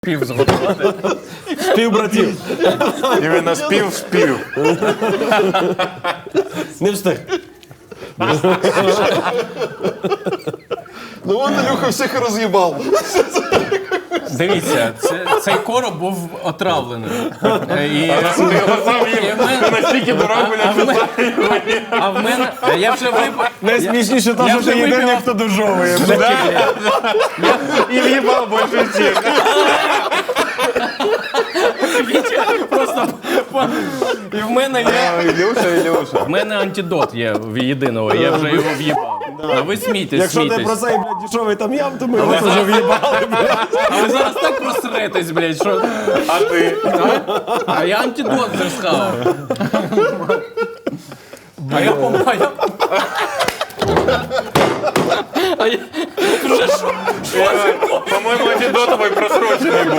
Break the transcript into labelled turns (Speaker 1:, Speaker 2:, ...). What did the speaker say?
Speaker 1: Пів зготувати.
Speaker 2: Спів братів.
Speaker 3: Іменно спів.
Speaker 2: Не встиг.
Speaker 4: Ну он Ілюха всіх і роз'їбав.
Speaker 1: Дивіться, цей короб був отравлений. І,
Speaker 3: Ти його сам їв. Ти настільки дорогу
Speaker 1: а в мене... Я вже випив...
Speaker 2: Найсмішніше те,
Speaker 1: Я
Speaker 2: що
Speaker 1: вже
Speaker 2: ти єдиний,
Speaker 1: випив.
Speaker 2: хто дожовує.
Speaker 3: і в'їбав більше всіх.
Speaker 1: Просто... І в мене є...
Speaker 3: Ілюша.
Speaker 1: В мене антидот є в єдиного, я вже його в'їбав. А ви смійтесь,
Speaker 2: Якщо ти про
Speaker 1: смійтесь.
Speaker 2: цей, блядь, дешевий там ям, то ми його теж в'їбали, блядь.
Speaker 1: А ви зараз так просретесь, блядь, що...
Speaker 3: А ти?
Speaker 1: А я антидот вже схавав. А я помагаю.
Speaker 3: По-моєму, антидотовий просрочений був.